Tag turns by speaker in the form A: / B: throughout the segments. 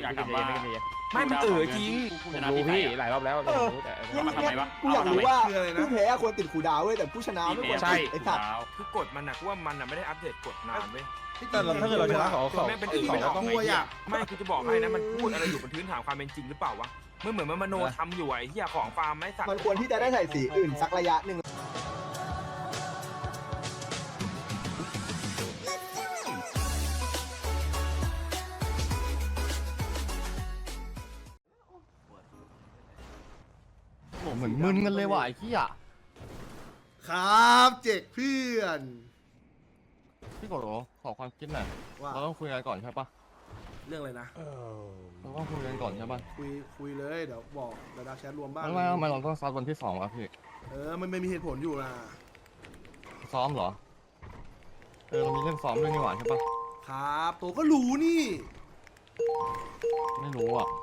A: อยากถามว่า
B: ไม่มันจริง
A: รู้พี่หลายรอบแล้วมาทำไมวะ
C: กูอยากรู้ว่าผู้แพ้ควรติดคูดาวเว้ยแต่ผู้ชนะไม่ควรติดไอ้สัตว์
B: คือกฎมันนะกูว่ามันไม่ได้อัปเดตกฎนานเว้ย
D: แต่ถ้าเกิดเราชนะเขา
B: แม่งเป็นอื่นไม่ต้องไม่กูจะบอกให้นะมันพูดอะไรอยู่บนพื้นฐานความเป็นจริงหรือเปล่าวะเมื่อเหมือนมันมโนทำอยู่ไอ้เหี้ยของฟาร์มไม่สัก
C: มันควรที่จะได้ใส่สีอื่นสักระยะหนึ่ง
D: เหมือนมึนกันเลยว่ะไอ้ขี้อ่ะ
E: ครับเจ๊กเพื่อน
D: พี่กดขอความคิดหน่อย
E: ว่า
D: เราต้องคุยกันก่อนใช่ปะ
E: เรื่องอะไรนะ
D: เราต้องคุยกันก่อนใช่ปะ
E: คุยเลยเดี๋ยวบอกเดี๋ยวดักแชทรวมบ้าง
D: ทำไมเราต้องซ้อมวันที่2วะพี่
E: มันไม่มีเหตุผลอยู่นะ
D: ซ้อมเหรอเรามีเรื่องซ้อมด้วยนี่หว่าใช่ปะ
E: ครับโตก็รู้นี่
D: ไม่รู้อ่ะ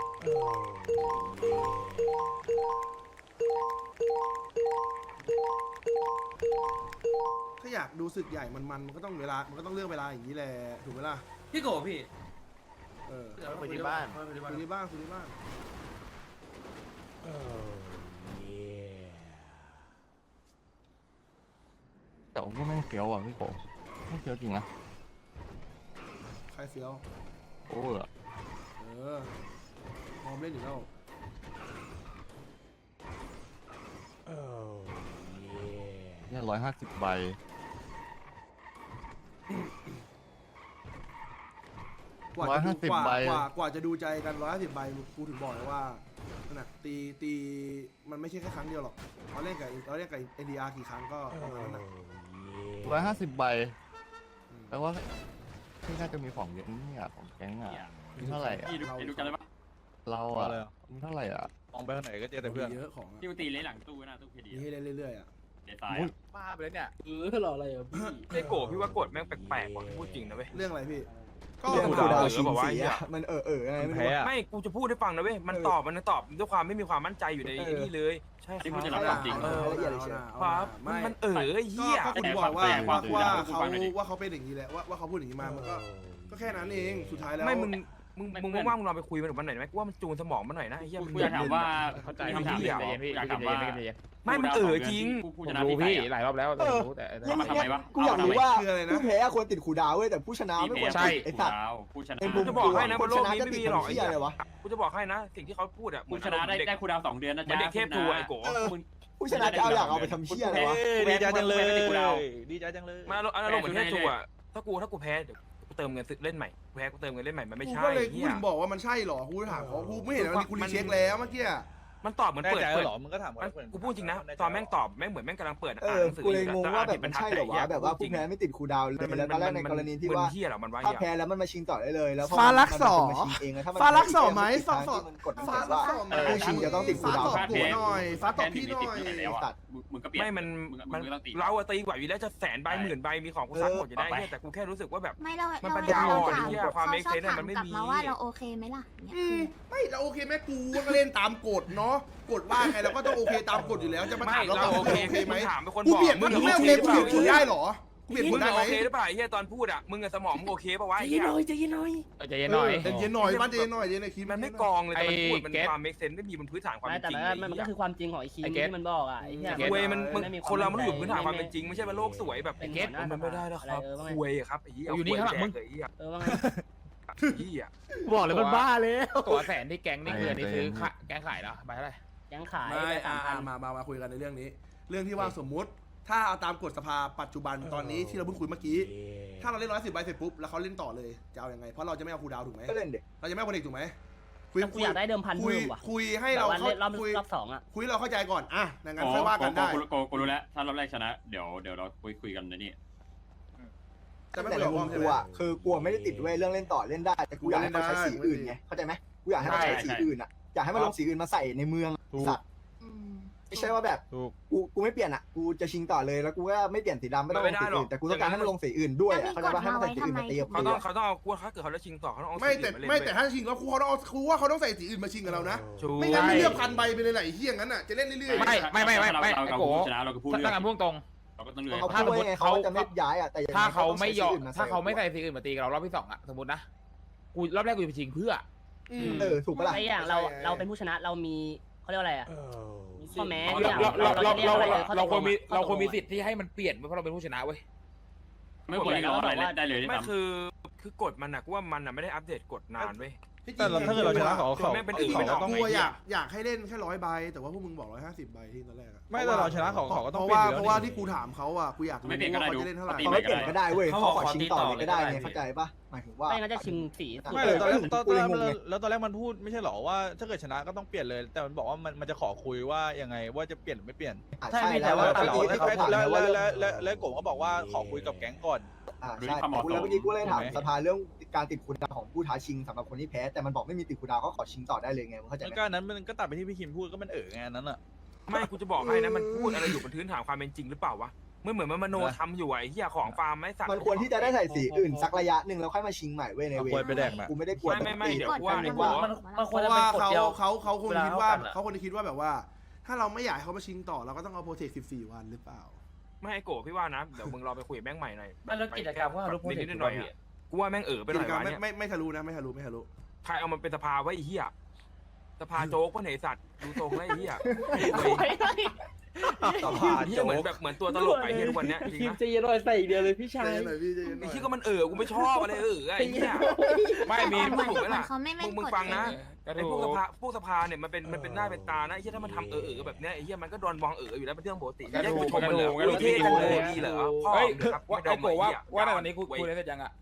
E: ถ้าอยากดูศึกใหญ่มันก็ต้องเวลามันก็ต้องเลือกเวลาอย่างนี้แหละถูกไหมล่ะ
F: พี่โกพี่
E: คุยที่บ้านคุยที่บ้าน
D: แต่ผมก็แม่งเฟี้ยวอ่ะพี่โกไม่เฟี้ยวจริงนะ
E: ใครเฟี้ยว
D: โอ้ย
E: พร้อมเล่นอยู่แล้ว
D: เนี่ย150 ใบ
E: กว่าจะดูใจกัน150 ใบกูถึงบอกเลยว่านั่นน่ะตีมันไม่ใช่แค่ครั้งเดียวหรอกเราเล่นกับNDR กี่ครั้งก็ประมาณนั้นน่ะ
D: 150 ใบแปลว่าที่น่าจะมีของเยอะเนี่ยของแก๊งอ่ะมีเท่าไหร่อ่ะ
A: พี่ดูกันเลยปะ
D: เราอ่ะมีเท่าไหร่อ่ะ
G: มองไปทางไหนก็เจอแต่เพื่อน
E: เยอะของอะ
A: ที่ตีเลยหลังตู้นะตู้เพดี
E: มีให้เล่นเรื่อยๆอ่ะ
A: เดซาย
G: บ้าไปแล้วเนี่ย
F: หล่ออะไรอ่ะพี่
B: ไอ้โกพี่ว่ากฎแม่งแปลกๆว่ะพูดจริงนะเว้ย
E: เรื่องอะไรพี่
C: เรื่อง
E: กู
C: คูดาว
B: เออ
C: ชิง
B: บอกว่า
C: สีอะมันอะไรไม่รู้
B: ไม่กูจะพูดให้ฟังนะเว้ยมันตอบด้วยความไม่มีความมั่นใจอยู่ในนี่เลยใช่ค
A: ที่พูด
B: รับ
A: จะรับความจริง
C: ละเอียดเลยเชียว
B: ครับมันไอ้เหี้ย
E: ก็คุณบอกว่าเขาเป็นอย่างนี้แหละว่าเขาพูดอย่างนี้มามันก็แค่นั้นเองสุดท้ายแล้ว
B: ไม่มึงว่างๆมึงลองไปคุยมันวันไหนไหมกูว่ามันจูนสมองมันหน่อยนะไอ้เหี้ย
A: กูอยากถามว่าคำถามอยากถามว่า
B: ไม่มันจริง
A: ผู้ชนะรู้พี่หลายรอบแล้วมาทำไมวะ
C: กูอยากรู้ว่าผู้แพ้ควรติดคูดาวเว้ยแต่ผู้ชนะไม่ควรติดไอ้สัตว์
A: ผู้ชนะ
C: เป็นมุ
B: กู
C: ม
B: จะบอกให้นะบนโลกนี้
C: จะ
B: ไม่
C: ติด
B: มีหรอก
C: ทำ
B: ไอ้
C: เหี้ย
B: เหี้ย
C: อะไรวะ
B: กูจะบอกให้นะสิ่งที่เขาพูดอ่ะ
A: ผู้ชนะได้คูดาว2 เดือนนะ
B: เหมือน
A: จ๊ะ
B: เด็กเทพทูไอ้โก
C: ผู้ชนะจะเอาอยากเอาไปทำเชี่ยอะไรวะ
G: ดีใจจังเลยดีใจจังเลย
B: มาอารมณ์เหมือนเทพทูอ่ะถ้ากูแพ้เดี๋ยวกูเติมเงินเล่นใหม่แพ้กูเติมเงินเล่นใหม่มันไม่
E: กู
B: ใช่
E: ก็เลยกู
B: เหี้ย
E: ถึงบอกว่ามันใช่หรอกูถามเขากูไม่เห็นว่ากูรีเช็คแล้วเมื่อกี้
B: มันตอบเหมือน
G: แน่
B: เปิด
G: ใจหรอมึงก็ถาม
B: กูพูดจริงนะตอนแม่งตอบแม่งเหมือนแม่งกำลังเปิด
C: กูเลยงงว่าแบบมันใช่หรอวะแบบว่าผู้แพ้ไม่ติดคูดาวเลยแล้วตอนแรกในกรณีที่ว่า
B: เหี้ยหรอมันว่า
C: ถ้าแพ้แล้วมันมาชิงต่อได้เลยแล้ว
E: ฟ้ารักสอ
C: มาชิงเองแล้วถ้ามัน
E: ฟ้ารักสอไหม
C: ฟ้า
E: ฟ้า
C: มันกดมันบอกว่าผู้ชิงจะต้องติดคูดาว
E: ฟ้าตอบหัวหน่อยฟ้าตอบพี่หน่อย
C: ตัด
A: มึงก็เปลี่ยน
B: ไม่มันเราตีกว่าอยู่แล้วจะ100,000 ใบ10,000 ใบมีของกูซักหมดจะได้แต่กูแค่รู้สึกว่าแบบ
H: ไม่เรา
B: มัน
H: เรา
B: ปัญญาอ่อน
H: ถาม
B: เหี้ยความ make sense มันไม่มี
H: กลับมาว่าเราโอเคไหมล่ะเนี่ย
E: ไม่เราโอเคแม่กูก็เล่นตามกฎเนาะกฎว่าไงเราก็ต้องโอเคตามกฎอยู่แล้วจะมาถามเรา
B: โอ
E: โอ
B: เค
E: เคไหม
B: ถามเป็นคน
E: กู
B: บอก
E: เปลี่ยนมึงไม่โอเคกูเปลี่ยนกฎได้หรอกูเปลี่ยนก
B: มึ
E: ฎ
B: ง
E: ได้ไหม
B: โอเคหรือเปล่าไอ้เหี้ยตอนพูดอ่ะมึงกับสมองมึงโอเคป่าวะ
F: ใจ
B: ไอ้
F: เย็
B: เหี้
F: น
B: ย
F: หน่อยใจเย็นหน่อย
A: ใจเย็นหน่อย
E: ใจเย็นหน่อยบ้านใจเย็นหน่อยเย็นในคลิป
B: มันไม่กองเลยแต่มันพูดมันความ make sense ไม่มีบนพื้นฐานความ
F: ไม่
B: เป็น
F: แต่
B: จริง
F: มันก็คือความจริงของไอ้คีมที่มันบอกอ่ะไอ้เหี้ย
B: คุยมันคนเรามันอยู่บนพื้นฐานความเป็นจริงไม่ใช่ว่าโลกสวยแบบ
F: เป็น
B: มันไม่ได้แล้วครับคุยครับไอ้เหี้ย
A: อยู่นี่ข้างหลังมึง
B: ไอ้เหี้ย
F: ว่าไง
B: เหี้ย
A: บอกเลยมันบ้าเลยตัวแสนที่แก๊งนี่คือนี่คือแก๊งขายแล้วใบเท่าไหร่
F: ยังขาย
E: ไม่มาคุยกันในเรื่องนี้ เรื่องที่ว่าสมมุติถ้าเอาตามกฎสภาปัจจุบันตอนนี้ที่เราเพิ่งคุยเมื่อกี้ถ้าเราเล่น110 ใบเสร็จปุ๊บแล้วเขาเล่นต่อเลยจะเอายังไงเพราะเราจะไม่เอาคูดาวถูกไหม
C: ก็เล่นเด็ก
E: เราจะไม่เอาคนเอกถูกไหม
F: กูอยากได้เดิมพัน
E: คุย
F: เพิ่มว่ะ
E: คุยให้
F: แต่
E: เรา
F: ว่า
E: เข้า
F: เล่น
E: คุย
F: รอบ2อ่ะ
E: คุยเราเข้าใจก่อนอ่ะดังนั้นค่อยว่ากันได้
A: กูรู้แล้วถ้ารอบแรกชนะเดี๋ยวเราคุยกันในนี่
E: จะไม่
C: แต่
E: คุย
C: ใน
E: กับ
C: มุ
E: อ้อ
C: ม
E: มใช่
C: กู
E: ไหม
C: อ่ะคือกลัวไม่ได้ติดเว้ยเรื่องเล่นต่อเล่นได้แต่กูอยากให้มันใช้สีอื่นไงเข้าใจไหมกูอยากให้มันใช้สีอื่นอ่ะอยากให้มันลงสีอื่นมาใส่ในเมืองสัตว์
H: อืม
C: ไม่ใช่ว่าแบบกูไม่เปลี่ยนอ่ะกูจะชิงต่อเลยแล้วกูก็ไม่เปลี่ยนสีดำไม่ต้องลงสีอื่นแต่กูต้องการให้มันลงสีอื่นด้วยอ่ะเข้าใจป่ะให้มันใส่สีอื่นมาตีกับ
B: เขา
C: กู
B: ต้องเขาต้องเอากูถ้าเกิดเขาจะชิงต่อเขาต้องเอา
E: ไม่แต่ถ้าชิงแล้วครูเขาต้องเอาครูว่าเขาต้องใส่สีอื่นมาชิงกับเรานะไม่งั้นไม่เลือกพันใบไปเลยไหลเฮี้ยงั้นอ่ะจะเล่นเรื่อย
A: ไม่ไอ้โกชนะเราก็พูดเรื่องตั้งแต่พุ่งตรงเราก็ต้องเหนื่อย
C: เขาพูดว่าไงเขาจะไม่ย้ายอ่ะแต่
A: ถ้าเขาไม่ยอมถ้าเขาไม่ใส่สีอื่นมาตีกับเรารอบที่2อ่ะสมมตินะกูรอบแรกกูจะไปชิงเพื่อ
C: ถูกปะล่ะ
F: ไอ้อย่างเราเป็นผู้ชนะเรามีเขาเรียกว่าอะไรอ่ะข้อแม้อย่าง
A: เราควรมีสิทธิ์ที่ให้มันเปลี่ยนเพราะเราเป็นผู้ชนะเว้ย
F: ไม่ควรเราบอกว่า
B: ไม่คือกฎมันอะกูว่ามันอะไม่ได้อัปเดตกฎนานเว้ย
G: แต่ถ้าเกิดเราชนะเขา
B: แม่งเป็น
G: เขาก็ต้อง
E: กูอยากให้เล่นแค่100 ใบแต่ว่าพวกมึงบอก150 ใบที่ตอนแรกอะ
G: ไม่แต่เราชนะเขาก็ต้อง
E: เพราะว่าที่กูถามเขาอ่ะกูอยากรู้ว่าเขาจะเล่นเท่าไหร่
C: เขาไม่เปลี่ยนก็ได้เว้ยเขาขอชิงต่อเลยก็ได้ไงเข้าใจปะหมายถึงว่า
F: ไม่งั้นจะชิงสี
G: ไม่เลยตอนแรกแล้วตอนแรกมันพูดไม่ใช่หรอว่าถ้าเกิดชนะก็ต้องเปลี่ยนเลย แต่มันบอกว่ามันจะขอคุยว่ายังไงว่าจะเปลี่ยนหรือไม่เปลี่ยน
C: ใช่แต่ว่า
G: แล้วกบก็บอกว่าขอคุยกับแก๊งก่อน
C: ใช่แล้วเมื่อกี้กูเลยถามสภาเรื่องการติดคูลดาวของผู้ท้าชิงสำหรับคนที่แพ้แต่มันบอกไม่มีติดคูลดาวก็ขอชิงต่อได้เลยไงมึงเข้าใจไหม
G: ก็นั้นมันก็ตัดไปที่พี่คิมพูดก็มันไงนั้นอ่ะ
B: ไม่กูจะบอกให้นะมันพูดอะไรอยู่บนพื้นฐานความเป็นจริงหรือเปล่าวะเหมือนมันมโนทำอยู่ไอ้เหี้ยของฟาร์มไม่สัก
C: มันควรที่จะได้ใส่สีอื่นสักระยะหนึ่งแล้วค่อยมาชิงใหม่เว้ยในเว
G: ควรไปแดกนะ
C: กูไม่ได้กลัว
B: ไม่เดี๋ยวกูว่า
E: เพราะว่าเขาคงคิดว่าแบบว่า ถ้าเราไม่อยากให้เขามาชิงต่อเราก็ต้องเอาโปรเทค14 วันหรือเปล่า
B: ไม่ไอ้โกพี่ว่านะเดี๋ยวมึงรอไปคุยแม่งใหม่หน่อย
A: แล้วกิจกรรมว่ารู้
B: นิดหน่อยกูว่าแม่งไปหน่อยวะเนี่ย
E: ไม่ทะลุนะไม่ทะลุ
B: ใครเอามันเป็นสภาไว้ไอ้เหี้ยสภาโจ๊กวะไหนสัตว์ดูทรงไอ้เหี้ย
G: สภา
B: เหี้ยเหมือนตัวตลกไอ้เหี้ยทุกวันเนี้ยจริง
F: ทีม
B: นะ
F: จะยืนรอยใส่อีกเดียวเลยพี่ชาย
B: ไอ้เหี้ยก็มันกูไม่ชอบอะไรไอ้เหี้ย
A: ไม่มี
B: เหมือน
A: ถูกไหมล่ะ
H: เขาไม่เล่น
B: มึง
H: กฎ
B: ฟังนะ
A: ก็
B: ไอ้
A: ถู
B: พวกสภาเนี่ยมันเป็นหน้าเป็นตานะไอ้เหี้ยถ้ามันทำแบบเนี้ยไอ้เหี้ยมันก็โดนมองอยู่แล้วเป็นเรื่องปกติแยกกูชมมันเหรอเท่กันเลยดีเหรอพ่อ
A: เฮ้ย
B: ครับ
A: ว่าไอ้โกว่าในวันนี้คุยอะไรเสร็จยังอ่ะ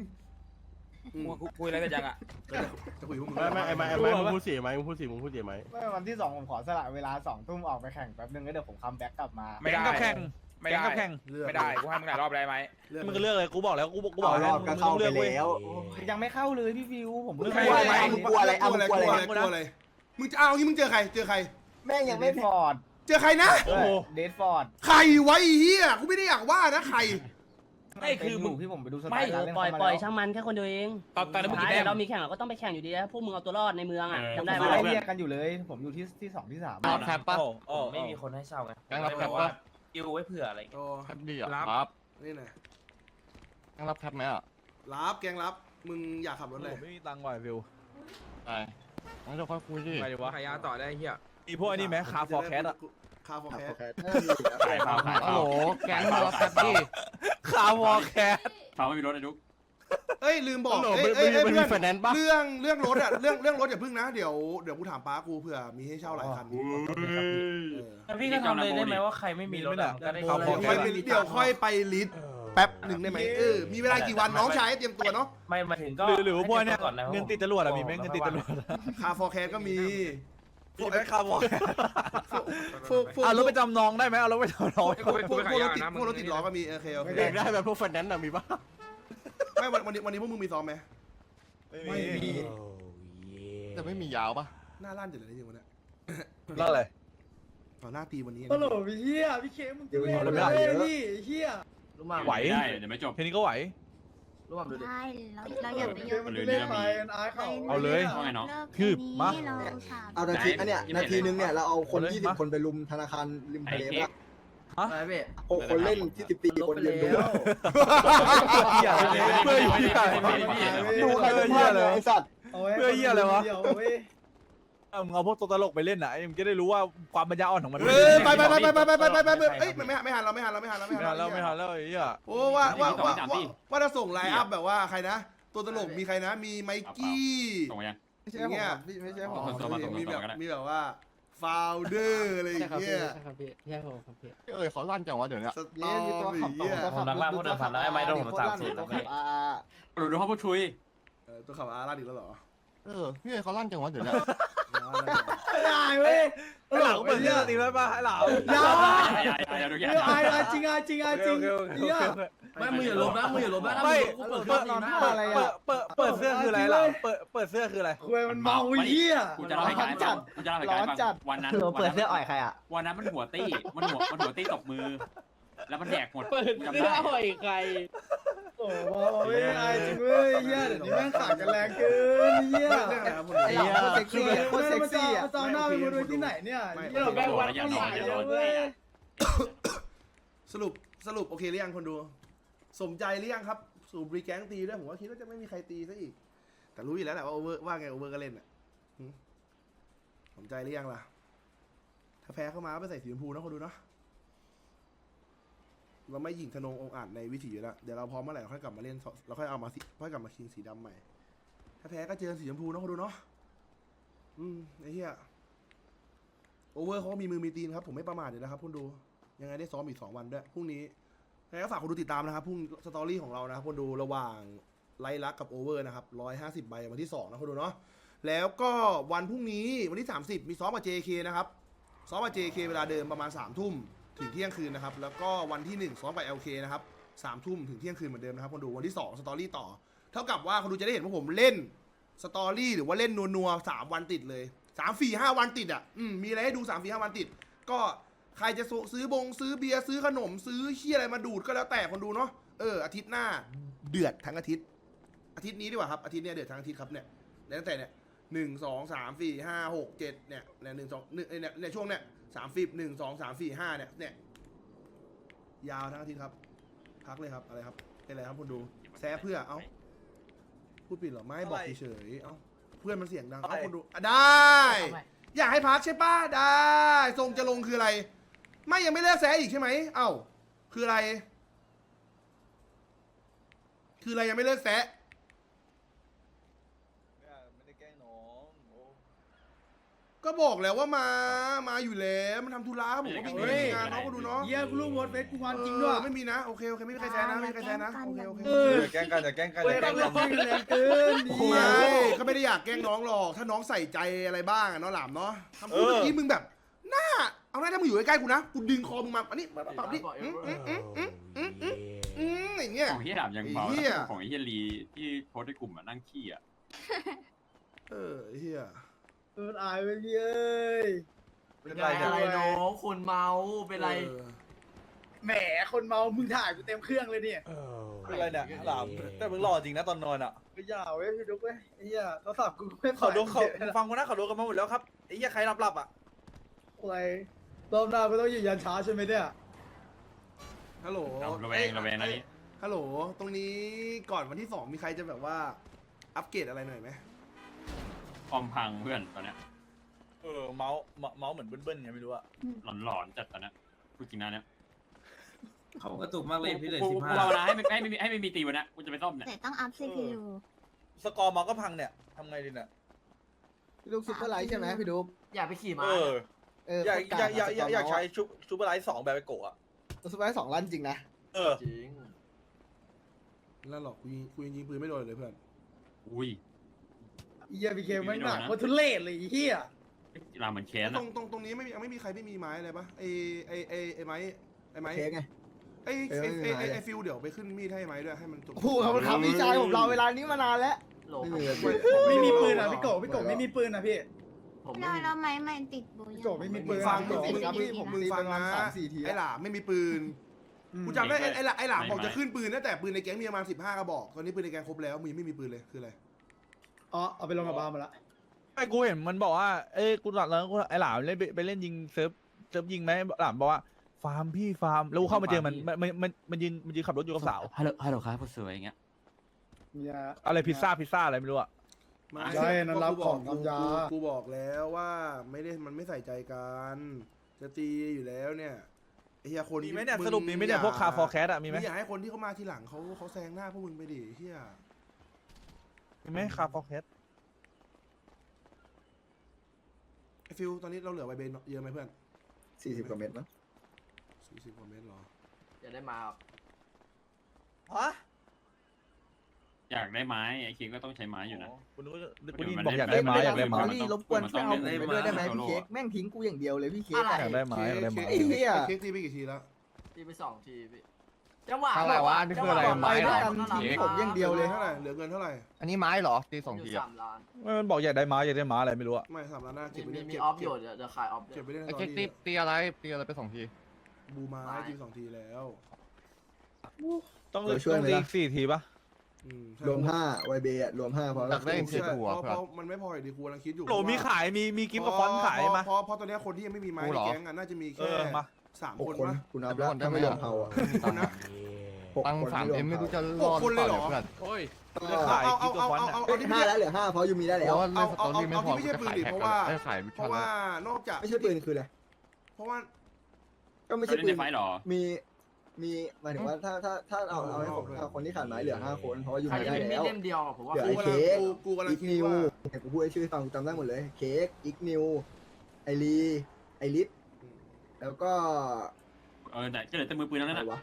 A: คุยอะไรเสร็จยังอ่ะ
E: จะคุยพวกมึง
I: ไม่มึงพูดเสียไหมมึงพูดเสียไหม
J: ไม่วันที่ 2ผมขอสละเวลา2 ทุ่มออกไปแข่งแป๊บนึงแล้วเดี๋ยวผมคัมแบ็กกลับมา
A: ไม่ได้
G: แข่ง
A: ไม่ได้
G: แข่ง
A: ไม่ได้กูให้มึงหลายรอบได้ไหม
G: มึงก็เลือกเลยกูบอกแล้วกูบอก
C: รอบก็เข้าไปแล้ว
J: ยังไม่เข้าเลยพี่วิวผม
C: มึงกลัวอะไรมึงกลัวอะไร
E: มึงจะเอางี้มึงเจอใคร
C: แม่งยังไม่
J: ฟอร์ด
E: เจอใครนะ
J: เดดฟอร์ด
E: ใครไว้เฮียกูไม่ได้อยากว่านะใคร
A: ไม่คือมึง
J: ที่ผมไปดูส
F: ไม่
J: ตาร์เล่น
F: ปล่อยช่างมันแค่คนเดียวเอง
A: ตอนนั้นมึง
F: ท้าย
A: แต้ม
F: เรามีแข่งเราก็ต้องไปแข่งอยู่ดีนะพวกมึงเอาตัวรอดในเมืองอ่ะจำได้
J: ได้
F: ไหม
J: มาเรียกกันอยู่เลย ผมอยู่ที่2 ที่ 3
D: รับแคปปะ
A: ไม่มีคนให้เช่าไง
D: แก๊งรับแคปปะ
A: คิวไว้เผื่ออะไร
E: โอ้
D: แคปดีอ่ะรับ
E: นี่นะ
D: แก๊งรับแคปไหมอ่ะ
E: รับแกงรับมึงอยากขับรถเลย
G: ไม่มีตังค์ว่ะวิว
D: ไปงั้นเราค่อยคุยดิ
G: ไปดีวะ
B: ขายยาต่อได้เหี้ย
G: มีพวกนี้ไหมคาฟอร์แคสอะ
E: คาฟอร์แคส
D: ฮัลโหลแก๊งมารับแคปดิ
G: คาวอร์แคส
I: เขาไม่มีรถไอ้ดุ๊ก
E: เอ้ยลืมบอก
D: ฮัลโหล
E: เอ้ย
D: มัน
E: เพื่
D: มี
E: อน
D: ไฟแนนซ์ปะ
E: เรื่องรถอะเรื่องรถอย่าพึ่งนะเดี๋ยวกูถามป้ากูเผื่อมีให้เช่าหลายคัน
I: พี่ก็ทำเลยได้ไหมว่าใครไม่มีรถก็ได้
E: เดี๋ยวค่อยไปลิสต์แป๊บหนึ่งได้ไหมมีเวลากี่วันน้องชายเตรียมตัวเนาะ
I: ไม่มาถึงก็
G: หรือพวกเนี้ยเงินติดจรวดอะมีไหมเงินติดจรวด
E: คาฟอร์แคสก็มี
G: มีไหมคาวอร์
E: พวก
G: เอารถไปจำนองได้ไหมเอารถไปจำนอง
E: พวกรถติดล้อก็มีโอเค
D: เด็กได้แบบพวกไฟแนนซ์อ่ะมีปะ
E: ไม่วันนี้พวกมึงมีซ้อมไหม
C: ไม่มี
D: จะไม่มียาวปะ
E: หน้าลั่นจัดเลยจริงวันนี้
G: แล้วอะไร
E: ต่อหน้าตีวันนี้
J: ฮัลโหลพี่เฮียพี่เคมึงจะเล่นเลยพี่เฮีย
G: ไหว
I: ได้เดี๋ยวไม่จบ
G: แค่นี้ก็ไหว
H: ใช่เราอย่าไปยุ่ง
J: มันจะเล่นไปอายเขา
G: เอาเลย
I: ว่าไงน้อง
G: คืบมา
C: เอานาทีนาทีนึงเนี่ยเราเอาคน20 คนไปลุมธนาคารริมทะเลละ
J: ไปพี่
C: 6 คนเล่นที่14 คนยืนดู
G: เหี้ยเพื่อเหี้ย
C: ดูใครเป็นเพื่อนเลยไอ้สัตว์
G: มึงเอาพวกตัวตลกไปเล่นนะมึงจะได้รู้ว่าความปัญญาอ่อนของมัน
E: ไปเอ้ยไม่หันเราไม่หันแล้ว
G: ไม่ทันแล้วไอ้เหี้ย
E: โอ้ว่าจะส่งไลน์อัพแบบว่าใครนะ ตัวตลกมีใครนะ มีไมกี้
I: ส่งมายัง
J: ไม่ใช่ผมพี่ไม่ใช่ผม
E: มีแบบว่าฟาวเดอร์อะไรอย่างเงี้ย
F: ครับพี่ใช่ผมครับพี่
D: เขาลั่นจังวะเดี๋ยวนี้
E: สตอมีอ่ะ
I: ผมรักล่าพูดเดินผ่านแล้วไอ้ไม้โดนผม30แล้วพี่ดูเขาพูดชุย
E: ตัวขับอาร์ลาดิแล้วเหรอ
D: พี่เขาลั่นจังวะเดี๋ยวนี้
J: ได้เว้ย
G: ไอ้เหล่าเปิดเสื้อตีไว้ป่ะไอ้เหล่า
J: อย่า
I: อย่าดูแก
J: อายจริงเฮีย
F: ไม่มึงอย่าลบนะมึงอย่าลบนะ
G: ไม่
J: เปิดนอนอะไรอ่ะ
G: เปิดเสื้อคืออะไรเหล่าเปิดเสื้อคืออะไร
J: คุยมันเมาเฮีย
I: กูจะเล่าให้กันฟังกูจะเล่าให้กันฟังวันนั้น
J: เปิดเสื้ออ่อยใครอ่ะ
I: วันนั้นมันหัวตี้มันหัวตี้ตบมือ แล้วมันแดกหมด
F: เปิด
I: จำ
F: เสื้อ
I: ได้
F: อ่อยใคร
J: โอ้โหไม่อายจริงเว้ยเฮียเดี๋ยวนี้แม่งขาดกันแรงเกินเฮีย
E: ไอ้เหล่า
J: เซ็กซี่โคตรเซ็กซี่อ่ะจอหน้าไปดูที่ไหนเนี่ยเฮียแม่งวัดผู้ใหญ่เลย
E: สรุปโอเคหรือยังคนดู สมใจหรือยังครับสู่บรีแก๊งตีด้วยผมว่าคิดว่าจะไม่มีใครตีซะอีกแต่รู้อยู่แล้วแหละว่าโอเวอร์ว่าไงโอเวอร์ก็เล่นอ่ะสนใจหรือยังล่ะถ้าแพ้เข้ามาก็ไปใส่สีชมพูนะคนดูเนาะเราไม่ยิงธนงองอาจในวิถีอยู่แล้วเดี๋ยวเราพร้อมเมื่อไหร่เราค่อยกลับมาเล่นเราค่อยเอามาค่อยกลับมาคิงสีดำใหม่ถ้าแพ้ก็เจอสีชมพูนะคนดูเนาะไอ้เหี้ยโอเวอร์เขามีมือมีตีนครับผมไม่ประมาทเลยนะครับคุณดูยังไงได้ซ้อมอีก2 วันด้วยพรุ่งนี้ยังไงก็ฝากคนดูติดตามนะครับพรุ่งสตอรี่ของเรานะครับคนดูระหว่างไลท์ลักกับโอเวอร์นะครับ150 ใบวันที่2นะคนดูเนาะแล้วก็วันพรุ่งนี้วันที่30มีซ้อมกับ JK นะครับซ้อมกับ JK เวลาเดิมประมาณ3 ทุ่มถึงเที่ยงคืนนะครับแล้วก็วันที่1ซ้อมกับ LK นะครับ3 ทุ่มถึงเที่ยงคืนเหมือนเดิมนะครับคนดูวันที่2สตอรี่ต่อเท่ากับว่าคนดูจะได้เห็นว่าผมเล่นสตอรี่หรือว่าเล่นนัวๆ3 วันติดเลย3-4-5 วันติดอ่ะมีอะไรให้ดู3-4-5 วันติดก็ใครจะซื้อเบียร์ซื้อขนมซื้อเหี้ยอะไรมาดูดก็แล้วแต่คนดูเนาะอาทิตย์หน้าเดือดทั้งอาทิตย์นี้ดีกว่าครับอาทิตย์นี้เดือดทั้งอาทิตย์ครับเนี่ยตั้งแต่เนี่ย1 2 3 4 5 6 7เนี่ย1 2 1ช่วงเนี่ย30 1 2 3 4 5เนี่ยยาวทั้งอาทิตย์ครับพักเลยครับอะไรครับเป็นอะไรครับคนดูแซ่เพื่อพูดผิดเหรอไม่บอกเฉยเพื่อนมันเสียงดังคนดูได้อยากให้พักใช่ป่ะได้ทรงจะลงคืออะไรไม่ยังไม่เลิกแซ่อีกใช่ไหมคืออะไรยังไม่เลิกแซ่
G: ไม่ได้แกล้งน้อง
E: ก็บอกแล้วว่ามาอยู่แล้วมันทำธุระผมก็มีงานเนาะก็ดูเนาะ
J: เยี่ยกูรู้หมดเฟซกูงอนจริงด้วย
E: ไม่มีนะโอเคไม่มีใครแซนะโอเค
G: อย่าแกล้งกันอย่าแกล้งกันอย่าแกล้งกัน
J: แรงเกิน
E: ไม่ก็ไม่ได้อยากแกล้งน้องหรอกถ้าน้องใส่ใจอะไรบ้างเนาะหลามเนาะทำพูดเมื่อกี้มึงแบบหน้าเอาหน้าถ้ามึงอยู่ใกล้ๆกูนะกูดึงคอมึงมาอันนี้มาปรับดิอย่างเงี้ย
I: ของเฮียดาบยังเบาของเฮียลีที่โพสในกลุ่มนั่งขี้อ่ะ
E: เฮีย
J: มันอายไปเย้ย
G: เป็นไร
J: อะไรน้องคนเมาเป็นไรแหมคนเมามึงถ่ายกูเต็มเครื่องเลยเนี่ย
G: เป็นไรเนี่ยหลามแต่มึงหล่อจริงนะตอนนอนอ่ะ
J: ไม่ยาวเว้ยพี่ดุ๊กเว้ยไอ้เหี้ยโทรศัพท์กูไม่
G: เขาดูเขาฟังกูนะเขาดูกันมาหมดแล้วครับไอ้เหี้ยใครหลับอ่ะ
J: อะไรรอบหน้าก็ต้องยืนยันช้าใช่ไหมเนี่ย
E: ฮัลโหล
I: ระแวงนะนี่
E: ฮัลโหลตรงนี้ก่อนวันที่2มีใครจะแบบว่าอัปเกรดอะไรหน่อยไหม
I: คอมพังเพื่อนตอนเนี้ย
G: เมาส์เหมือนเบิ้ลๆไงไม่รู้อะ
I: หลอนจัดตอนเนี้ยพูดจริงนะเนี่ย
A: เขากระตุกมากเลยพี่เลย
I: กูภาวนาให้ไม่มีตีวันนี้กูจะไปซ่อมเนี่ย
H: แต่ต้องอัพ CPU
G: สกอร์เมาส์ก็พังเนี่ยทำไงดีเนี่ย
C: พี่ดุ๊กซุปเปอร์ไลท์ใช่ไหมพี่ดุ๊ก
J: อย่าไปขี่ม้า
G: อยากใช้ชูเปอร์ไลท์2แบบไปโกะ
C: ซุปเปอร์ไลท์2 ลั่นจริงนะ
J: จริง
E: นั่นหรอกกูยิงปืนไม่โดนเลยเพื่อน
I: อุ้ย
J: เหี้ยพีเคไม่หนักว่าทุเรศเลยไอ้เหี้ย
I: ลาเหมือนแค้น
E: ตรงนี้ไม่มีใครไม่มีไม้อะไรปะไอ้ไม้
C: เค้กไง
E: ไอ้ฟิวเดี๋ยวไปขึ้นมีดให้ไม้ด้วยให้มันจบ
C: โอ้โหเขาทำพี่ชายผมรอเวลานี้มานานแล้ว
J: ไม่มีปืนอ่ะพี่โกไม่มีปืนนะพี่
H: แล้วไม้ไม่ติดบู
J: พี่โกไม่มีปืน
E: ฟัง
C: ผม
E: มึงฟังนะ
C: 3-4 ที
E: ไอ้หลามไม่มีปืนกูจำได้ไอ้หลามบอกจะขึ้นปืนนะแต่ปืนในแก๊งมีประมาณ15 กระบอกตอนนี้ปืนในแก๊งครบแล้วมึงไม่มีปืนเลยคืออะไร
J: อ๋อเอาไปลงกับบาร์มาละ
G: ไอ้กูเห็นมันบอกว่ากูหลับแล้วไอ้หลามเล่นไปเล่นยิงเซิร์ฟยิงไหมหลามบอกว่าฟาร์มพี่ฟาร์มแล้วกูเข้ามาเจอมันยืนขับรถอยู่กับสาว
I: ฮัลโหลครับผู้สวยอย่างเงี้ย
G: อะไรพิซซ่าอะไรไม่รู้อะ
J: ใช่นั่นรับของทำยา
E: กูบอกแล้วว่ามันไม่ใส่ใจกันจะตีอยู่แล้วเนี่ยไอ้เหี้ยคน
G: มีไหมเนี่ยสรุปมีไหมเนี่ยพวกคาร์ฟอร์แคสอะมีไหม
E: อยากให้คนที่เขามาทีหลังเขาแซงหน้าพวกมึงไปดิเหี้ย
G: มีไหมคาร์ฟอร์แคส
E: ไอ้ฟิวตอนนี้เราเหลือไวเบนเยอะไหมเพื่อน
C: 40 กว่าเม็ดมั้ง
E: 40 กว่าเมตรหรอ
J: อย่าได้มา
G: ฮะ
I: อยากได้ไม้ไอ้คิงก็ต้องใช้ไม้อยู่นะ
G: คุณบอกอยากได้ไม้อยากได้ไม้
C: นี่รบกวนช่วยเอาผมไปด้วยได้ไหมพี่เค้กแม่งทิ้งกูอย่างเดียวเลยพี่เค้ก
G: อยากได้ไม้อยากได้ไม้
C: ไอ้เหี้ย
E: เค้กตีไปกี่ทีแล้ว
J: ตีไป2 ทีพี่จังหวะ
D: อะไรวะนี่คืออะไรไม้
C: ไป
D: เหร
C: ด้ว
D: อย
C: กันทิ้งผมอย่างเดียวเลย
E: เท่าไหร่เหลือเงินเท่าไหร่
D: อันนี้ไม้เหรอตี2 ทีอะ
J: 3 ล้าน
G: มันบอกอยากได้ไม้อะไรไม่รู้อะ
E: ไม่3 ล้านหน้าเก็บไปเล่น
J: มีออฟอยู่เดี๋ยวขายออฟ
E: เก็บไปเล่น
D: ไอ้เค้กตีอะไรไป2 ที
E: บูมาที2 ทีแล้ว
G: ต้องตี4 ทีปะ
C: รวม5ไวเบย์รวม5พอ
D: อ
C: แล้
D: ยากได้
C: ว
D: เค้กหัว
E: เพราะมันไม่พออยู่ดีกูกำลังคิดอยู่
G: โหลมีขายมีกิฟต์กับฟอนต์ขายมา
E: เพราะตอนนี้คนที่ยังไม่มีไม้ในแก๊งน่าจะมีแค่3 คน
C: 6 คน
E: ปะ
C: คุณนับแล้วถ้าไม่รวมเฮาอ่ะ
E: คนนะ
D: ตัง
C: คน
D: 3M ไม่รู้จะรอด
E: หกคนเลยเหรอ
D: เพื่อน
A: โอ้ย
G: เลือกขายคลิปตัวฟอนต์อะ
C: เฮ้ย5แล้วเหลือ5เพราะยูมีได้
D: เพ
C: แล้ว
D: ราะว่าเล่นสตอรี่ไม่พอ
E: เอาที่ไม่ใช่
D: จะ
E: ปืน
D: ขาย
E: ดิ
D: แท็ก
E: เพราะ
D: กัน
E: ว่า
D: ได้ขายวิ
E: เพ
D: ชั่น
E: ราะว่านอกจาก
C: ไม่ใช่ปืนคืออะไร
E: เพราะว่า
C: ก็ไม่
A: เรา
C: ใช่
A: เล่น
C: ปื
A: ใน
C: น
A: ไฟหรอ
C: มีหมายถึงว่าถ้าเอาให้คนที่ขาดไม้เหลือ5คนเพราะว่ายู
I: ใคร
C: มี
I: จะ
C: ได้
I: เป็นมี
C: แล้ว
I: ดเล่มเดียวผมว่า
C: เหลือไอ้
E: กู
C: เค้ก
E: กำลัง
C: อีก
E: คิด
C: นิว
E: ว่า
C: เนี่ยกูพูดให้ชื่อฟังกูจำได้หมดเลยเค้กอีกนิวไอรีไอริสแล้วก็
A: แต่ก็เหลือแต่มือปืนแล้วนั่น
C: อะไร
A: น่ะ
C: วะ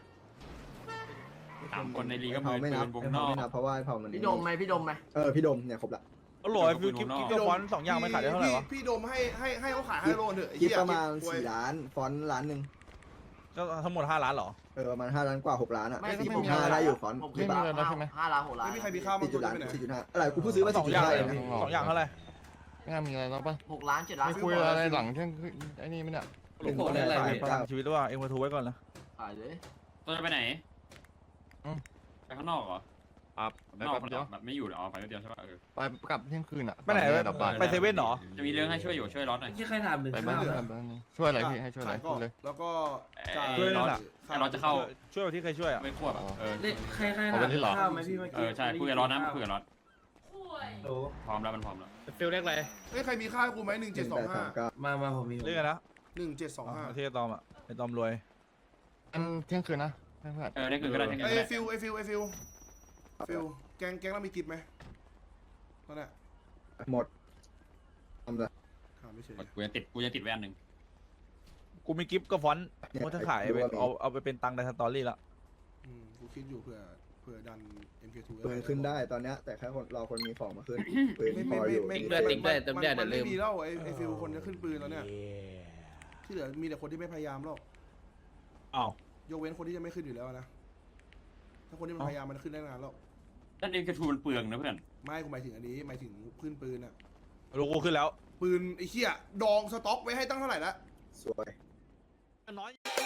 A: 3 คนในลีกก็
C: เผา
A: มือ
C: ไม่
A: ปื
C: นับ
A: นวง
C: ไอ้
A: น
C: เผา
A: อก
C: ไม่นับเพราะว่าไอ้เผามัน
I: พี่ดมไหมพี่ดมไหม
C: พี่ดมเนี่ยครบละ
G: อร่อยฟิวคลิปตัวฟอนต์2อย่างไม่ขายได้เท่าไหร่วะ
E: พี่โดมให้เขาขาย5 โลเถอะไอ้
C: คิด
E: เหี้ย
C: ประมาณ
E: ป่วย
C: 4 ล้านฟอนต์ล้านหนึ่ง
G: ก็ทั้งหมด5 ล้านเหรอ
C: ประมาณ5 ล้านกว่า6 ล้านอ่ะ
I: ไม่
C: สี่5ได้อยู่ฟอนต์
I: ผม
C: คิด
I: คิด
C: ว่า
I: ว่า5 ล้าน6 ล้าน
E: ไม่มีใครมีข้าวมา
C: 4
E: ตัว
C: ล้าน
E: ไปไหน
C: 4.5อะไรกูเพิ่งซื้อมา
G: 2 อย่าง
C: 4.5
G: เล
C: เลย ยนะ
G: 2 อย่างเท่าไหร่
D: ไม่น่ามีอะไรแล้วปะ
I: 6 ล้าน7 ล้าน
D: ไม่คุยอะไรหลังเที่ยงคืนไอ้นี่ไม่เนี่ย
C: หนึ่งคนอะไร
G: ขาย
C: เนี่ย
G: ประกันชีวิตด้วยเอ็งมาทูไว้ก่อนนะ
I: ขายเลย
A: ตัวจะไปไหนไปข้างนอกเหรอ
D: ครับไป
A: นอก
D: แป๊บเดียว
A: แบบไม่อยู่เหรอไปเดียวใช่ป่ะ
D: ไปกลับเที่ยงคืนอ่ะ
G: ไปไหน
D: กลับบ้าน
G: ไปเซเว่นเหรอ
A: จะมีเรื่องให้ช่วยอยู่ช่วยร้อนหน่อย
J: ที่ใครถามถึง
D: ไปบ้านช่วยอะไรพี่ให้ช่วยอะไร
E: ขายก่
D: พู
E: อ
D: ด
E: น
D: เลย
E: แล้วก็จ่าย
G: ช่วยนั่น
A: ร้อน
G: น่ะ
A: ไอ้ร้อนจะเข้า
G: ช่วยที่ใครช่วยอ่ะ
A: ไม่ควบ
J: ใคร
D: เอา
J: ถา
D: ไป
J: ม
D: ที่หรอ
J: ข้าวไหมพี่เมื่อกี้
A: ใช่คุยกับร้อนนะคุยกับร้อน
J: โอ้
A: พร้อมแล้วมันพร้อมแล้ว
G: ฟิลเล็กเลย
E: เฮ้ยใครมีข้าวให้กูไหม1725
J: มาผมมี
G: เรียกกันนะ
E: 1725
G: ที่ตอมอ่ะไอตอมรวย
D: อันเที่ยงคืนนะเพื่อน
A: ได้คือก็ได้ทั้ง
E: ไอ้
A: นั้น
E: ฟิวแกงเรามีกิฟไหมตอนเนี้ย
C: หมดทำเลย
E: ถามไม่เฉย
A: กูยังติดแว่นหนึ่ง
G: กูมีกิฟต์กับฟอนต์กูจะขายไปเอาไปเป็นตังค์ในสตอรี่ละ
E: กูคิดอยู่เผื่อดัน MK2
C: ปืนขึ้นได้ตอนเนี้ยแต่แค่คนรอคนมีของมาขึ้นปืนพออยู่
E: มันไม่มีแล้วไอ้ฟิวคนจะขึ้นปืนแล้วเนี่ยที่เหลือมีแต่คนที่ไม่พยายามหรอก
G: อ้าวย
E: กเว้นคนที่จะไม่ขึ้นอยู่แล้วนะถ้าคนที่มันพยายามมันขึ้นได้นานแล้ว
A: ด้านเองกระทูมันเปลืองนะเพื่อน
E: ไม่กูหมายถึงอันนี้หมายถึงขึ้นปืนอะ
G: ลูกกูขึ้นแล้ว
E: ปืนไอ้เหี้ยดองสต็อกไว้ให้ตั้งเท่าไหร่ละ
C: สวย
G: น้อย